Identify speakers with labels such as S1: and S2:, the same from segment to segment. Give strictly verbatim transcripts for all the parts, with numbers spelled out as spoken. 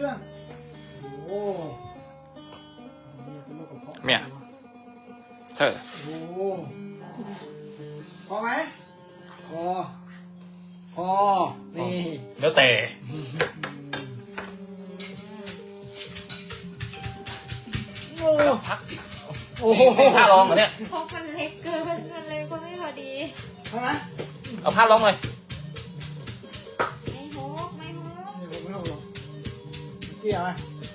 S1: รื่องโอ้
S2: เนี่ยเธอ
S1: โอ้พอไหมพอพอนี่
S2: เดี๋ยวแต่
S1: โอ้
S2: พัก
S1: โอ้โห
S2: นี่ผ้ารองเหรอเนี่ย
S3: พกมันเล็กเกินมันเล็กก็ไม่พอดี
S1: ใช่ไหม
S2: เอาผ้ารองเลย
S3: ไม่ฮกไม่ฮก
S1: นี่ผมไม่เอาหรอกเกี่ยวไหม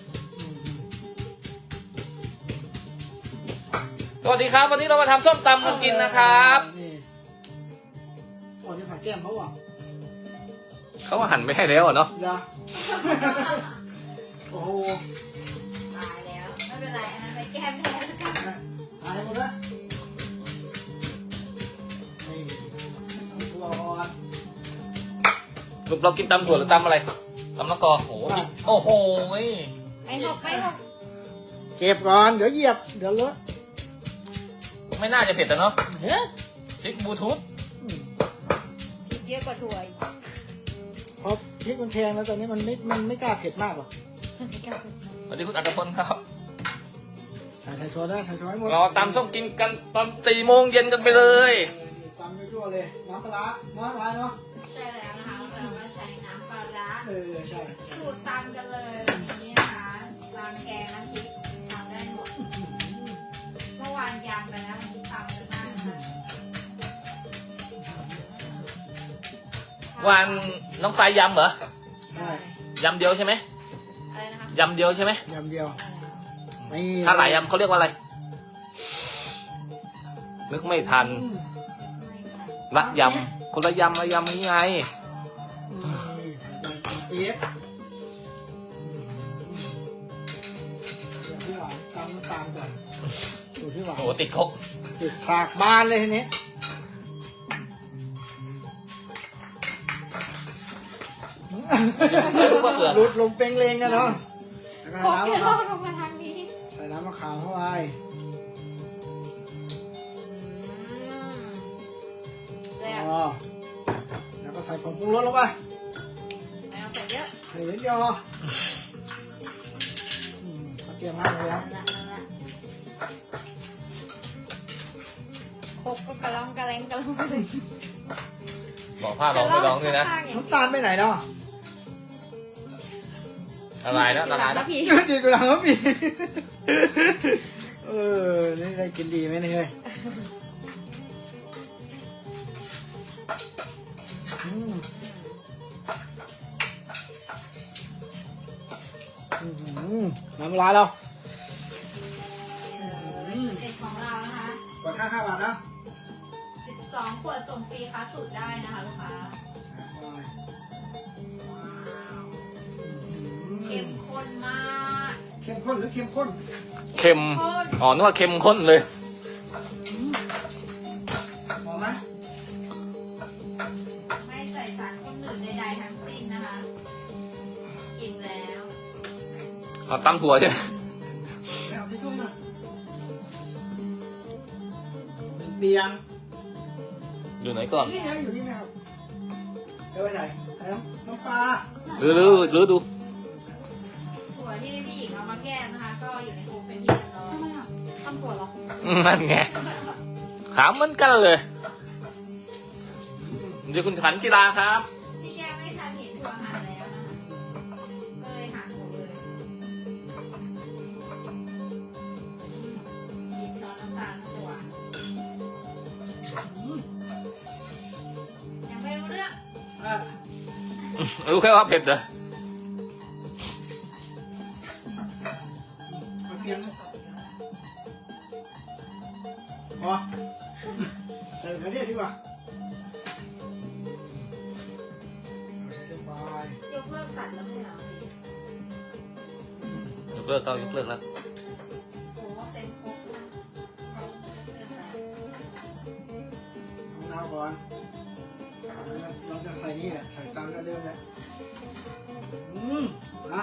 S2: สวัสดีครับวันนี้เรามาทำส้มตำกันกินนะครับ
S1: นี่โอ้นี่ผักแก้มเขาอ่ะ
S2: เขาว่าหั่นไม่ให้แล้วอะเนาะ
S1: เดี๋ยวโอ้โห
S3: ตายแล้ว ไม่เป็นไร อันนั้นไปแก้มแทนแล้วกัน
S1: หายหมดแล้วนี่ตัวอ่อน
S2: ลูกเรากินตำถั่วหรือตำอะไรตำมะกอกโอ้โหนี่โอ้โห
S3: ไม่ฮกไม่ฮก
S1: เก็บก่อนเดี๋ยวเหยียบเดี๋ยวเลอะ
S2: ไม่น่าจะเผ็ดแต่เนาะ
S1: เฮ้ย
S2: พริกบลูทูธ
S3: พริกเยอะกว่าถั่วอีก
S1: พอพริกมันแพงแล้วตอนนี้มันไม่มันไม่กล้าเผ็ดมากหรอก
S3: ไม่กล้าพูด
S2: สวัสดีคุณอัตพลครับ
S1: ใส่ใส่ช้อนได้ใส่ช้อนให้หมด
S2: เราตำส้มกินกันตอนสี่โมงเย็นกันไปเลย
S1: ตำยั่วๆเลยน้ำปลาร้าน้ำปลาร้าเนาะ
S3: ใช่แล้วนะคะเราก็ใช้น้ำปลาร้า
S1: เออใช่
S3: สูตรตำกันเลยวันนี้นะคะตำแกงน้ำพริกทำได้หมด เมื่อวานยำไปแล้ววันนี้ตำกันบ้างนะคะ
S2: วันน้องสายยำเหรอ
S1: ใช่
S2: ยำเดียวใช่ไหม
S3: อะไรนะคะ
S2: ยำเดียวใช่ไหม
S1: ยำเดียวนี่
S2: ถ้าหลายยำเขาเรียกว่าอะไรนึกไม่ทัน
S1: อืม
S2: ละยำคนละยำละยำนี้ไง
S1: นี่ใส่ไปเปี๊ยบอย่างที่หลังตำน้ำตาลก่อนสูตรที่หลัง
S2: โอ้โหติดคก
S1: ติดสากบานเลยทีนี้
S2: ไม่รู้ว่าเสือ
S1: หลุดลงเปงเลงกันเนาะแล้วก็
S3: พก
S1: น้ำ
S3: เย
S1: มะ
S3: อะ
S1: ขาม
S3: ลงมาทางนี้
S1: ใส่น้ำมะขามเข้าไป
S3: อืมแซ่บ
S1: อ๋อแล้วก็ใส่ผงปรุงรสลงไป
S3: ไม่ต้องใส่เยอะ
S1: ใส่เล็กยออืมเขาเตรียมมากเลยครับ
S3: นั่นละนั่นละคกก็กระล่องกระแรงกระล่องเลย
S2: บอกผ้าร้องไม่ร้องด้วยนะ
S1: น้ำตาลไปไหนแล้วอ่ะ
S2: ละลายแล้วละลายแล้ว
S3: พี่
S1: ดีกูหลังก็มีเออนี่ได้กินดีไหมเนี่ยเฮ้ยอืมอืมน้ำปลาร้าเรา
S3: เด็ดของเรานะคะ
S1: กดห้าห้าบาทนะ
S3: สิบสองขวดส่งฟรีค่ะสูตรได้นะคะลูกค้าเข้มข้นมาก
S1: เข้มข้นหรือเข้มข้น
S2: เค็ม
S3: ข้น
S2: อ๋อนึกว่าเค็มข้นเลย
S1: พอไหม
S3: ไม่ใส่สารคนอื่นใดๆทั้งสิ้นนะคะชิมแล้ว
S2: เอาตำถั่วใช่ไหม
S1: ไม่เอาที่ช่วยหน่อยเบียง
S2: อยู่ไหนก่อน
S1: นี่ไงอยู่นี่นะครับเดี๋ยวไปไหนใส่น้ำน้ำปลา
S2: หรือหรือหรือดู
S3: ถั่วที่พี่หญิงเอามาแก้นะคะ ก็อยู่ในคุกเป็นที่เรียบร้อยทำไมอ่ะทำถั่วเหรอ
S2: นั่นไงถามเหมือนกันเลยเดี๋ยวคุณขันจิราครับ
S3: ที่แก้ไม่ทันเห็นถั่วหาแล้วนะคะก็เลยหาถั่วเลยกินช้อนน้ำตาลจะหวานยังไม่รู้เรื่อง
S1: อ่ะ
S2: รู้แค่ว่าเผ็ดเหรอ
S1: มาเพียงนะพอใส่มะเขือเทศดีกว่าใส่ไป
S3: ยกเลิกตัดแล้วไม่เหรอย
S2: กเลิกก็ยกเลิกแล้ว
S3: โอ้เต็มครกนะเกินไป
S1: เอาน้ำก่อนเราจะใส่นี่แหละใส่ตามกันเดิมแหละอืมอ่ะ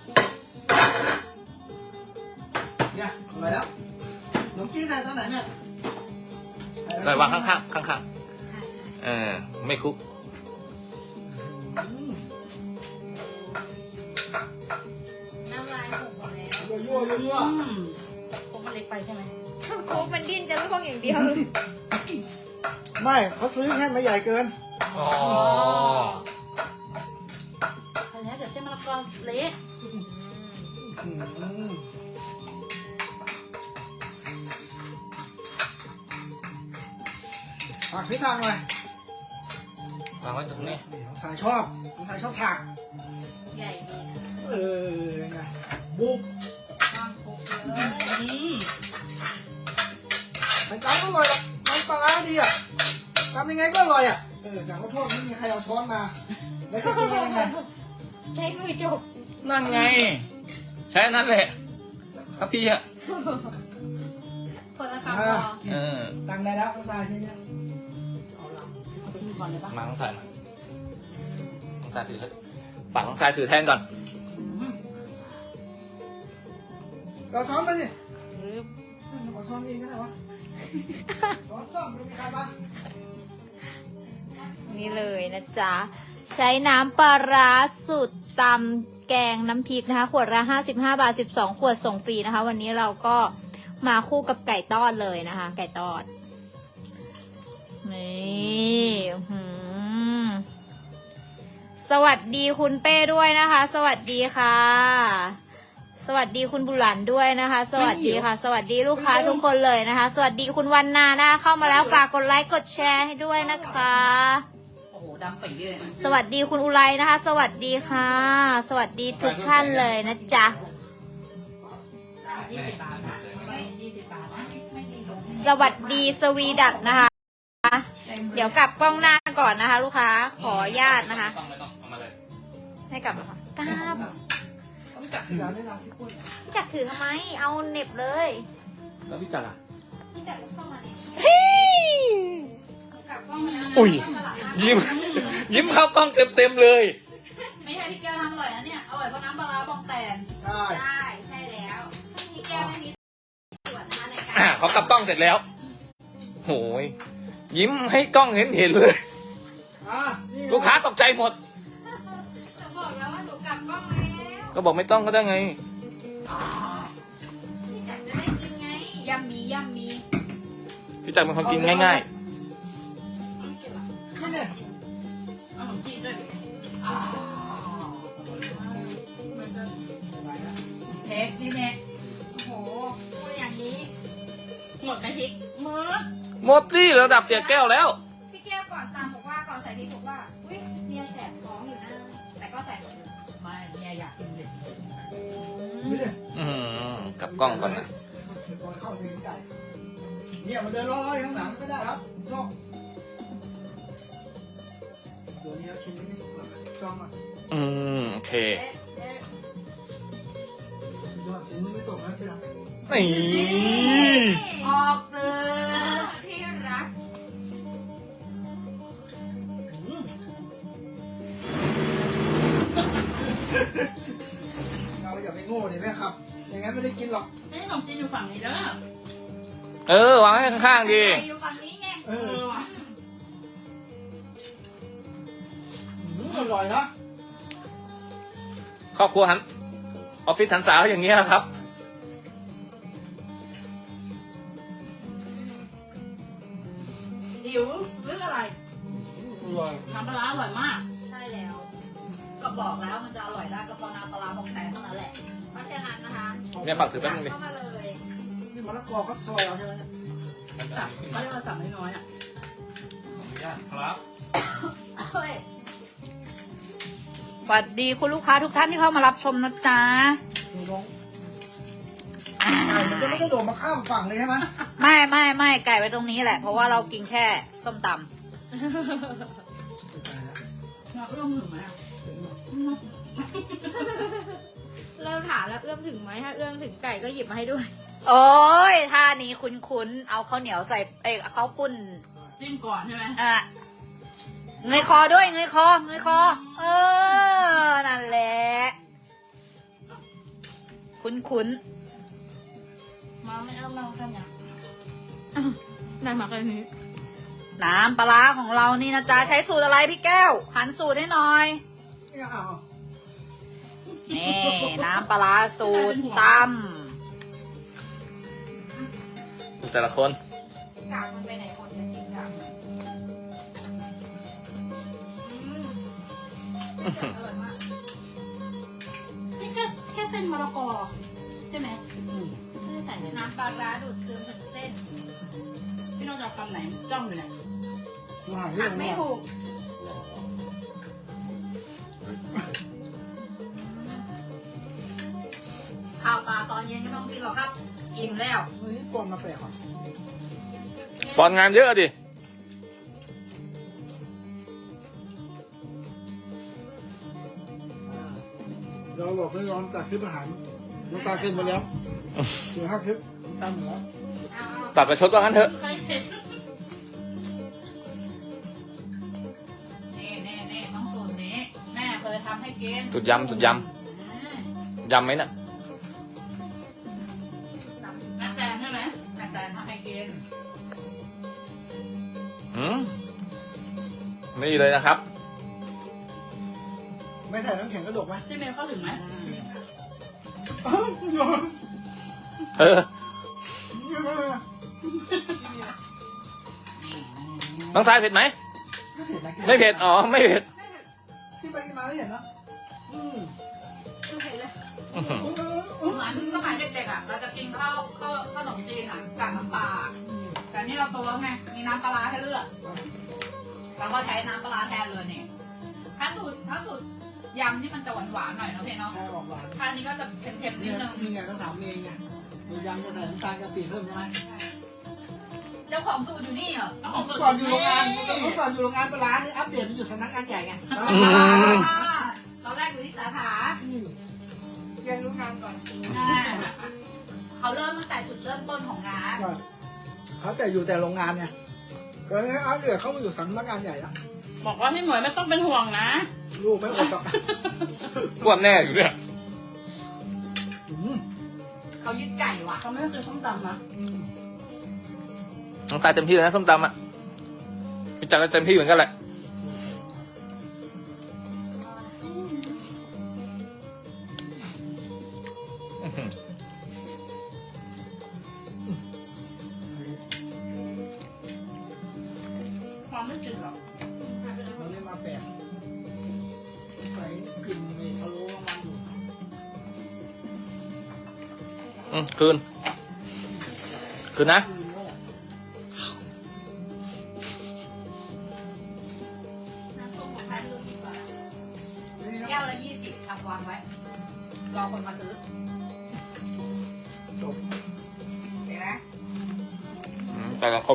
S1: เนี่ยเอาไปแล้วขนมจีนใส่ตอนไหนแม่
S2: ใส่วางข้างๆข้างๆเออไม่คุก
S1: อืมยั่ว
S4: อืมพวกมันเล็กไปใช่ไหม
S3: โค้กมันดิ้นจะล่วงอย่างเดียวเลย
S1: ๆไม่เขาซื้อแค่ไม่ใหญ่เกิน
S2: อ๋อ
S4: อันนี้เดี๋ยวเส้นมะละกอเละ
S1: อืมฝากซื้อทางหน่อยว
S2: างไว้ตรงนี้
S1: นี่น้องสายชอบน้องสายชอบฉาก
S3: ใหญ่ดีนะ
S1: เออยังไงบุก
S3: วางโค้กเลย
S4: อืม
S1: มันจำก็อร่อยหรอกน้ำปลาร้าดีอ่ะทำยังไงก็อร่อยอ่ะเออแต่ขอโทษไม่มีใครเอาช้อนมาแล้วจะกินกันยังไง
S3: ใช้มือจบ
S2: นั่นไง ใช้อันนั่นแหละครับพี่อะ
S3: คนละคำพ
S1: อ่า
S3: อ
S2: เออ
S1: ตังได้แล้วน้องสายทีเนี้ย
S4: เอาละเอาทิ้งก่อนเลยปะ
S2: มาต้องใส่มาต้องใส่ถือฝากต้องใส่ถือแทนก่อน
S4: อืม
S1: เราช้อนไปดิขอช้อนเองก็ได้วะช้อนส้อมไม่มีใครมา
S3: นี่เลยนะจ๊ะ ใช้น้ำปลาร้าสูตรตำแกงน้ำพริกนะคะ ขวดละห้าสิบห้าบาทสิบสองขวดส่งฟรีนะคะ วันนี้เราก็มาคู่กับไก่ทอดเลยนะคะ ไก่ทอด นี่หืมสวัสดีคุณเป้ด้วยนะคะ สวัสดีค่ะ สวัสดีคุณบุหลันด้วยนะคะ สวัสดีค่ะ สวัสดีลูกค้าทุกคนเลยนะคะ สวัสดีคุณวันนานะคะเข้ามาแล้วฝากกดไลค์กดแชร์ให้ด้วยนะคะ
S4: โอ้โหดำปีเลย
S3: สวัสดีคุณอุไรนะคะ สวัสดีค่ะ สวัสดีทุกท่านเลยนะจ๊ะ
S4: ยี่สิบบาทนะไม่ยี่สิบบาทนะ
S3: สวัสดีสวีดัตนะคะ เดี๋ยวกลับกล้องหน้าก่อนนะคะ ลูกค้าขออนุญาตนะคะ
S2: ไม่ต้องไม่ต้องเอามาเลย
S3: ให้กลับแล้วค่ะกลับ
S1: ต้องจัดที่ร้านได้ร้านพี่ปุ้ย
S3: จักถือทำไมเอาเหน็บเลย
S2: แล้วพี่จัดอ่ะ
S3: พี่จักเข้ามาเนี่ยกลับกล้องมา
S2: อุ้ย ยิ้ม ยิ้มเข้ากล้องเต็มเต็มๆเลย
S4: ไม่ใช่พี่แก้วทำอร่อยนะเนี่ยอร่อยเพราะน้ำปลาร้าบองแตน
S1: ใช่
S3: ได้ใช่แล้วพี่แก้วไม่มีส่วนนะคะในการ
S2: อ่าเขากลับกล้องเสร็จแล้วโหยยิ้มให้กล้องเห็นเห็นๆเลย
S1: อ่ะนี่
S2: ลูกค้าตกใจหมด
S3: จะบอกแล้วว่าหนูกลับกล้องแล้ว
S2: ก็บอกไม่ต้องก็ได้ไง
S3: พี่จักจะได้กินไงยำมียำมี
S2: พี่จักรเป็นคนกินง่าย
S1: นี่เนี่ย
S4: เอาขนมจีนด้วย เทคนี่แม่
S3: โอ้โหพูดอย่างนี้
S4: หมดไหมพริกหมด
S2: ๆหมดที่ระดับเจ็ดแก้วแล้ว
S3: พี่แก้วก่อนตามบอกว่าก่อนใส่พริกบอกว่าอุ้ยเนี่ยแสบท้องอยู่นะแต่ก็ใส่หมดเลย
S4: ไม่เนี่ยอยากกินเลย
S1: นี่เนี่ย
S2: อืมกลับกล้องก่อนนะ
S1: เดี๋ยวก่อนเข้าไปในไก่เนี่ยมันเดินล้อๆอยู่ข้างหลังก็ได้ครับชอบเดี๋ยวนี้เราชิมไม่ถูกหรอกจ้องอ่ะ
S2: อืมโอเค
S3: เอ๊ะเอ๊ะ
S1: ยอดชิมไม่ตกนะที่รัก
S2: นี่
S4: ออกสื่อ
S3: ที่รัก
S1: อืมเราอย่าไปโง่ดิแม่ครับอย่างงั้นไม่ได้กินหรอก
S4: นี่ขนมจีนอยู่ฝั่งนี้เด้อ
S2: เออวางให้ข้างๆดี
S3: อยู่ฝั่งนี้ไง
S1: เอ
S4: เอ
S1: อ
S4: อว่ะ
S1: อืมอร่อยนะ
S2: ครอบครัวหันออฟฟิศหันสาวอย่างเงี้ยครับ
S4: หิวหรืออะไร
S1: อร่อย
S4: น้ำปลาร้าอร่อยมาก
S3: ใช่แล้ว
S4: ก็บอกแล้วมันจะอร่อยได้ก็เพราะน้ำปลาร้าบองแตนเท่านั้นแหละ
S3: เพราะฉะนั้นนะคะ
S2: เนี่ยฝากถือแป๊บนึงดิ
S3: เข้ามาเลย
S1: นี่มะละกอก็ซอยเอาใช่ไหมเนี่ย
S4: สั่งเขาเรียกว่าสั่งน้อยๆอ่ะ
S2: ครับ
S3: เฮ้ย
S4: สวัสดีคุณลูกค้าทุกท่านที่เข้ามารับชมนะจ๊ะ
S1: ดูน้องไก่มันจะไม่ได้โดดมาข้ามฝั่งเลยใช่ไหม
S4: ไม่ไม่ไม่ไก่ไว้ตรงนี้แหละ เพราะว่าเรากินแค่ส้มตำเราเอื้อมถึงไหม
S3: เริ่มถามแล้วเอื้อมถึงไหมถ้าเอื้อมถึงไก่ก็หยิบมาให้ด้วย
S4: โอ้ยท่านี้คุ้นๆ เอาข้าวเหนียวใส่ เอ้ยข้าวปุ้น
S5: จิ้มก่อนใช่ไหม
S4: อ่ะเงยคอด้วยเงยคอเงยคอ เออ นั่นแหละ คุ้น
S5: มาไม่เอาเรากันเนี่ย
S3: ได้มาแค่นี้
S4: ๆ น้ำปลาร้าของเรานี่นะจ๊ะ ใช้สูตรอะไรพี่แก้ว หันสูตรให้หน่อย
S1: เนี่ยอ้าว
S4: นี่ น้ำปลาร้าสูตรต
S2: แต่ละคน
S3: กากมันไปไหนหมดเนี่ยกากอร่อยมาก
S5: นี่แค่แค่เส้นมะละกอใช่ไหมไม่ได้ใส่เลยนะ
S3: น้ำปลาร้าดูดซึมถึงเส้น
S5: พี่น้องจะเอาคำไหนจ้องอยู่เนี่ย
S1: มาหา
S3: หั
S1: เรื่อก ง
S3: ไม่
S1: ว่า
S3: ถูก
S4: ข้าวปลาตอนเย็นก็ต้องกินหรอกครับ อิ่มแล้ว
S1: เฮ้ยปอนมาแปลกอ่ะ
S2: บอลงานเยอะดิ
S1: เราบอกไม่ยอมตัดคลิปอาหารน้ำตาขึ้นไปแล้วเหลือห้าคลิปน้ำตาหมดแล้ว
S3: เอาเอา
S2: ตัดประชดว่างั้นเถอะ
S5: ใครเห็น
S4: นี่นี่นี่ต้องสูตรนี้แม่เคยทำให้กิน
S2: สุดยำสุดย
S4: อืม
S2: ำยำไหมน่ะ
S5: แม่แตนใช่ไหม
S4: แม่แตนทำให้กิน
S2: อืมนี่เลยนะครับ
S1: ไม่ใส่น้ำแข็งกระดกไหม
S5: ที่เมย์เข้าถึงไหม
S1: อ้าวโยน
S2: เออ
S1: เยอะมาก
S2: น้องทรายเผ็ดไหม
S1: ไม่เผ็ดนะ
S2: ไม่เผ็ด อ๋อ ไม่เผ็ด
S1: ที่ไปกินมาไม่เห็นนะอืม
S3: ดูเผ็ดเลย
S2: อื้อหือ
S4: เหมือนสมัยเด็กๆอ่ะ เราจะกินข้าวข้าวขนมจีนอ่ะกับน้ำปลา แต่นี่เราโตแล้วไง มีน้ำปลาร้าให้เลือกเราก็ใช้น้ำปลาร้าแทนเลยนี่ ถ้าสูตรถ้าสูตรยำนี่มันจะหวานๆหน่อยเนาะพี่เนาะ
S1: ใช่ออกหวาน
S4: ถ้าอันนี้ก็จะเค็มๆนิ
S1: นี่
S4: ด
S1: ไง
S4: นึง
S1: นี่ไงต้องถามเองไงมียำจะใส่น้ำตาลกะปิเพิ่มใช่ไหม
S4: เจ้าของสูตรอยู่นี่เหรอ
S5: เอาของ
S1: ก่อนอยู่โรงงานเมื่อก่อนอยู่โรงงานปลาร้านี่อัปเดตมันอยู่สำนักงานใหญ่ไง
S2: อืม
S4: ตอนแรกอยู่ที่สาขา
S1: อืม
S3: เรียนรู้งานก่อน
S4: อ่าเขาเริ่มตั้งแต่จุดเริ่มต้นของงาน
S1: ก็เขาแต่อยู่แต่โรงงานไงก็เลยเอาเดือดเข้ามาอยู่สำนักงานใหญ่แล้ว
S5: บอกว่าพี่หมวยไม่ต้องเป็นห่วงนะ
S1: ลูกไม่อดหรอก
S2: อ้วนแน่อยู่เนี่ย
S1: อืม
S4: เขายึดไก่ว่ะ
S5: เขาไม่ได้เคยส้มตำนะ
S2: น้องทรายเต็มที่เลยนะส้มตำอ่ะพี่จักรก็เต็มที่เหมือนกันแหละอื้อหือ
S5: ความไม่จืดหรอก
S1: เขาเรียกมาแปลกใส่กินไปพะโล้มันอยู่
S2: อืมคืน คืนนะ
S1: คืนโง่
S4: น้ำส้มของใครไม่รู้กี่บาท
S1: ไม่มี
S4: แก้วละยี่สิบทำวางไว้ รอคนมาซื้อ
S1: จบ
S4: เห็นไหม
S2: อืมแต่ละคม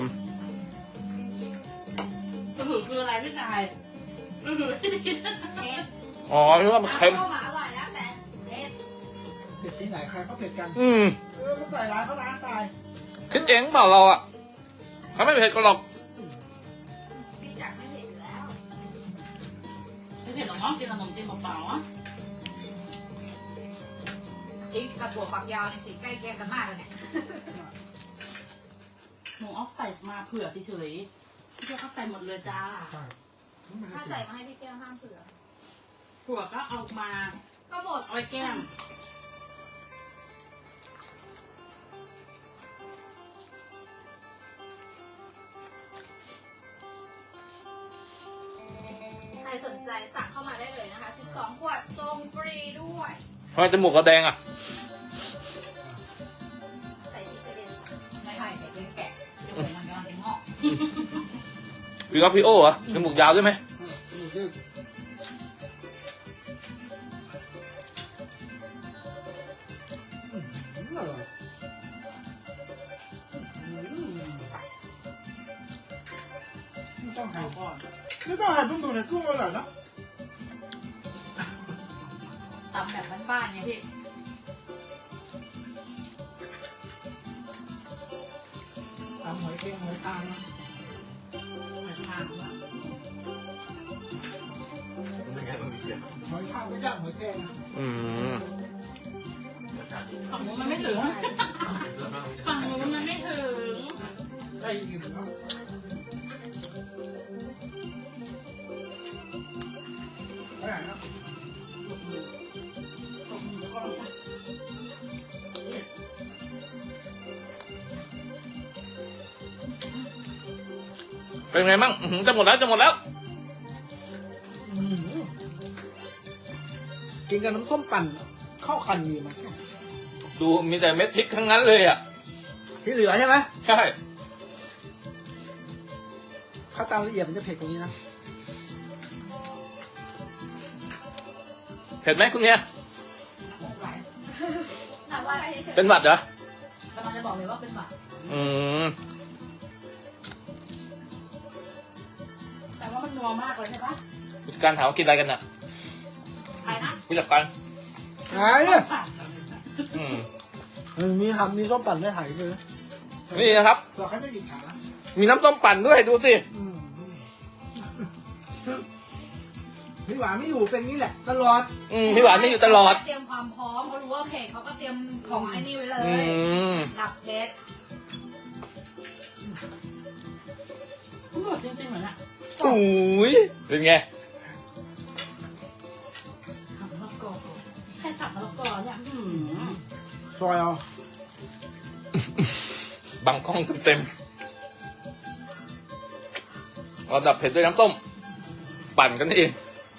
S5: กระหือคืออะไรพี่ชายกระหือ
S4: เผ็ด
S2: อ๋อที่ว่ามันเค็ม
S4: น้ำส้มอะอร่อยแล้วแต่เผ็ด
S1: เผ็ดที่ไหนใครเขาเผ็ดกัน
S2: อืม
S1: เออมันใส่ร้ายเขาร้านตาย
S2: คิดเองเปล่าเราอ่ะเขาไม่เผ็ดก็หรอก
S3: พี่จักรไม่เผ็ดอยู่แล้ว
S5: ไม่เผ็ดหรอกน้องกินขนมจีนเปล่าๆอ่ะ
S4: พริกกับถั่วฝักยาวในสีใกล้เคียงกันมากเลยเนี่ย
S5: หนูเอาใส่มาเผื่อเฉยๆพี่เจ้าก็ใส่หมดเลยจ้า
S1: ใช่ไม่
S3: ถ้า
S1: ได้
S3: ใส่
S1: กิน
S3: มาให้พี่แก้วห้ามเผื่อ
S5: ถั่วก็เอามา
S3: ก็หมด
S5: เอาไว้แก้ม
S3: ใครสนใจสั่งเข้ามาได้เลยนะคะสิบสองขวดส่งฟรีด้วย
S2: ทำไมจมูกเขาแดงอ่ะ
S3: ใส่พริกกระเด็น
S4: ไม่ให้แต่เป็นแกะเดี๋ยวมันย้อนเป็นงอก
S2: พี่ก็พี่โอ้เหรอจมูกยาวด้วยไหม
S1: เออจมูกดื้ออืมอร่อยอืมไม่ต้องหั่นก่อนไม่ต้องหั่นเพิ่งดูในกุ้งอร่อยนะ
S4: ตำแบบบ้านๆเนี่ยพี่
S1: ตำหอยเค็งหอยทางนะ
S5: เหมือนทางอะ
S1: หอยทางไม่ย่างหอยแครงนะ
S2: อืม
S5: ฝั่งนู้นมันไม่ถึงฝั่งนู้นมันไม่ถึง
S1: ได้ยินเนาะไปไหนนะ
S5: ตบมือตบมือก่อนนะ
S2: เป็นไงมั่งอื้อหือจะหมดแล้วจะหมดแล้ว
S1: อืมกินกับน้ำส้มปั่นเข้ากันดีมั้ย
S2: ดูมีแต่เม็ดพริกทั้งนั้นเลยอ่ะ
S1: ที่เหลือใช่ไหม
S2: ใช่
S1: ถ้าตามละเอียดมันจะเผ็ดกว่านี้นะ
S2: เผ็ดไหมคุณเนี่ย
S4: ไหว
S5: ถามว่าอะไรเฉย
S2: เป็นหวัดเหรอ
S4: กำลังจะบอกเลยว่าเป็นหวัด
S2: อืม
S5: ๆแต่ว่ามันนัวมากเลยใช่ปะ
S2: ผู้จัดการถามว่ากินอะไรกันน่ะ
S4: ใครนะ
S2: ผู้จัดการ
S1: หายเนี่ย
S2: อืม
S1: เออมีทำมีส้มปั่นได้ถ่ายเลย
S2: นี่นะครับ
S1: เราแค่จะหยิบขา
S2: มีน้ำต้มปั่นด้วยดูสิ
S1: อืมพี่หวานไม่อยู่เป็นงี้แหละ ตลอด
S2: อืมพี่หวานไม่อยู่ตลอด
S4: เตรียมความพร้อมเขารู้ว่าเพจเขาก็เตรียมของไอ้นี่ไว้เล
S2: อื
S4: ย
S2: ม
S4: ดับเพชร
S5: หมดจริงๆเหมือนอะ
S2: โอ้ยเป็นไง
S5: ทำมะละกอแค่สับมะละกอเนี่ยอืม
S1: ซอยเอา
S2: บังกล้องเต็มๆเราดับเผ็ดด้วยน้ำต้ม ปั่นกันเอง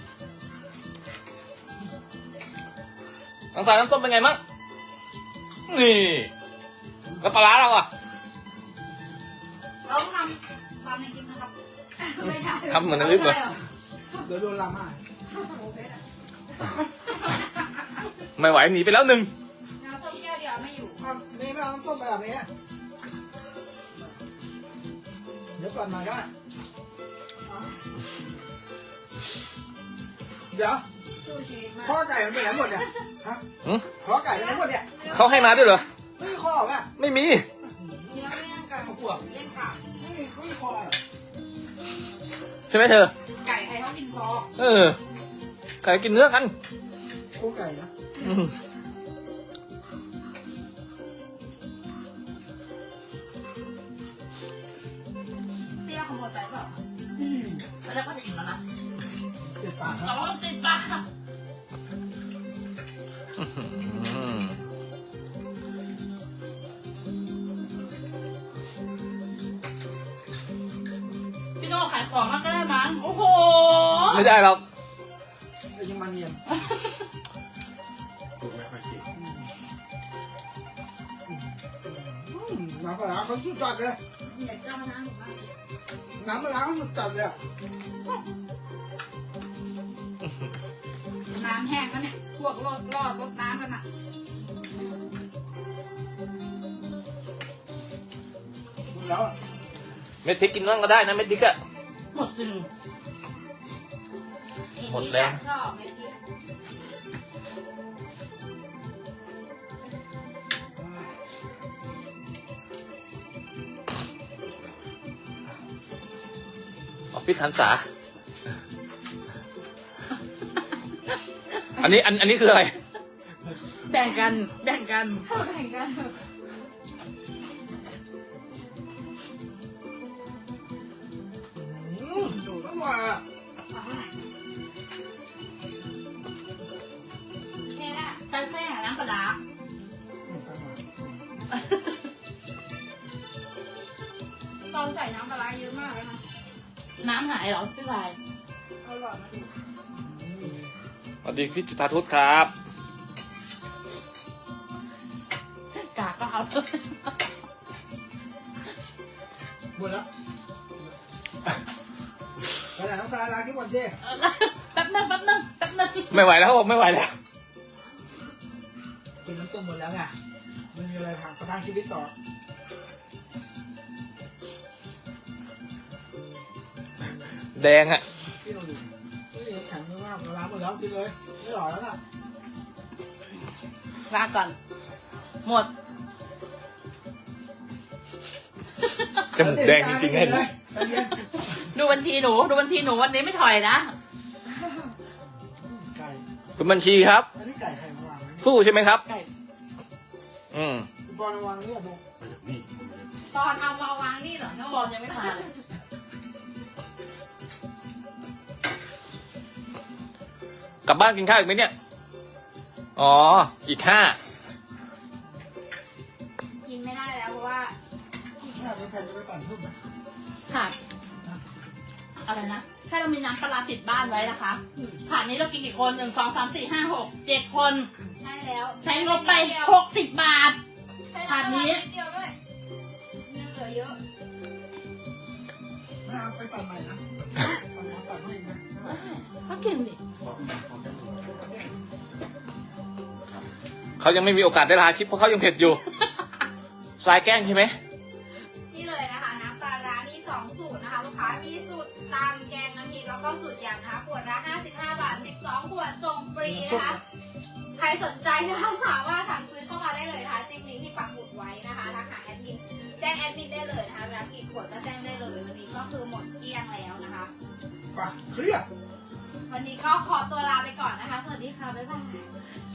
S2: ทางสายน้ำต้มเป็นไงมั่งนี่แล้วปลาร้าเราอ่ะ
S4: เราต้องทำตามในคลิปนะครับไม่ใช่
S2: ทำเหมือนในคลิปเหรอ
S1: เดี๋ยวโดนลาม่า
S2: ไม่ไหวหนีไปแล้วหนึ่ง
S4: น้ำส้มแก้วเดียวไม่อยู่
S1: ครับนี่ไม่เอาน้ำส้มไปแบบนี้เดี๋ยวก่อนมาก็เดี๋ยว
S4: สู้ชีวิตมาก
S1: ข้อไก่มันไปไหนหมดเนี่ยฮะ
S2: หึ
S1: ข้อไก่ไปไหนหมดเนี่ย
S2: เขาให้มาด้วยเหรอ
S1: ไม่มีข้อป่ะ
S2: ไม่มี
S4: เนื้อไม่ยังกัน
S1: เขากลัว
S4: เล่นกา
S1: ไม่มีไม่มีข้อเหรอ
S2: ใช่ไหมเธอ
S4: ไก่ใครเขากินคอ
S2: เออไก่กินเนื้อกัน
S1: ข้อไก่นะ
S2: อืม
S4: เตี้ยขโมยไปเปล่า
S5: อืมแล้วก็จะอิ่มแล้วนะ
S1: เจ็ดปากค
S5: แต่
S1: รับ
S5: ว่ามันติดปาก
S2: อืม
S5: พี่โน่ขายของมากก็ได้มั้งโอ้โห
S2: ไม่ได้หรอก
S1: ไอ้ยังมาเนียนอืมน้ำปลาร้าเขาสุดจัดเลย
S4: เด็ดเจ้ามานั่งหนูมาก
S1: น้ำปลาร้าเขาสุดจัดเลยอะ
S4: น้ำแห้งแล้วเนี่ย พวกรอดรอดรดน้ำกันอ่ะ
S1: หมดแล้วอะ
S2: เม็ดพริกกินนั่งก็ได้นะเม็ดพริกอะ
S5: หมดจริง
S2: หมดแล้ว
S4: ชอบไม่กิน
S2: ออฟฟิศหันษาอันนี้อันอันนี้คืออะไร
S5: แบ่งกันแบ่งกัน
S4: แข่งกัน
S1: อืมอร่อยอะ
S4: เนี่ยนะ
S5: ใช้แค่น้ำปลาร้า
S1: อืมอร่อย
S4: ตอนใส่น้ำปลาร้าเยอะมากเลยนะ
S5: น้ำหายเหรอพี่ชาย
S4: อร่อยมาก
S1: อืม
S2: สวัสดีพี่จุฑาทุตครับ
S5: กากก็เอา
S1: หมดแล้วไปไหนน้องสายลาคิดวันเจ้
S5: แป๊บนึงแป๊บนึงแป๊บนึง
S2: ไม่ไหวแล้วผมไม่ไหวแล้ว
S1: กินน้ำต้มหมดแล้วไงมันมีอะไรผักประทังชีวิตต่อ
S2: แดงอะ
S1: พี่ลองดูนี่แข็งมากปลาร้าหมดแล้วกินเลยไม่หล่อแล้วน่ะ
S5: ลาก่อน หมด
S2: จมูกแดงจริงๆ
S1: เล
S2: เห็
S1: ย
S2: นไหม
S1: ใจเย็น
S5: ดูบัญชีหนู ดูบัญชีหนูวันนี้ไม่ถอยนะ
S1: ไก่
S2: คุณบัญชีครับ
S1: อันนี้ไก่ไข่มาวางไหม
S2: สู้ใช่ไหมครับ
S5: ไก่
S2: อืม
S1: คุณบอลมาวางนี่อ่ะบุ๊ก
S4: ตอนเอามาวางนี่เหรอโน่
S5: บอลยังไม่มาเลย
S2: กลับบ้านกินข้าวอีกไหมเนี่ย อ๋อ อีกห้า
S4: กินไม่ได้แล้วเพราะว่า
S1: ถ้าเป็นแผ่นจะไปปั่นทุ่มไหม
S5: ค่ะอะไรนะแค่เรามีน้ำปลาร้าติดบ้านไว้นะคะผ่านนี้เรากินกี่คนหนึ่งสองสามสี่ห้าหกเจ็ดคน
S3: ใช่แล้ว
S5: ใช้งบไปหกสิบบาท
S3: ใช่แล้ว
S5: ถาดนี้
S3: นิดเดียวด้วยยังเหลือเยอะ
S1: ไม่เอาไปปั่นใหม่นะปั่นน้ำปั่นให้อีกนะ
S5: ก็กินดิ
S2: เขายังไม่มีโอกาสได้ลาคลิปเพราะเขายังเผ็ดอยู่ สายแกล้งใช่ไหม
S3: นี่เลยนะคะน้ำปลาร้ามีสองสูตรนะคะลูกค้ามีสูตรตามแกงกะทิแล้วก็สูตรยำนะคะขวดละห้าสิบห้าบาทสิบสองขวดส่งฟรีนะคะใครสนใจนะคะสามารถสั่งซื้อเข้ามาได้เลยนะคะจิ้มลิงก์ที่ปักหมุดไว้นะคะทักหาแอดมินแจ้งแอดมินได้เลยนะคะรับกี่ขวดก็แจ้งได้เลยวันนี้ก็คือหมดเกลี้ยงแล้วนะคะ
S1: ไปเครียด
S3: วันนี้ก็ขอตัวลาไปก่อนนะคะ สวัสดีค่ะ บ๊ายบาย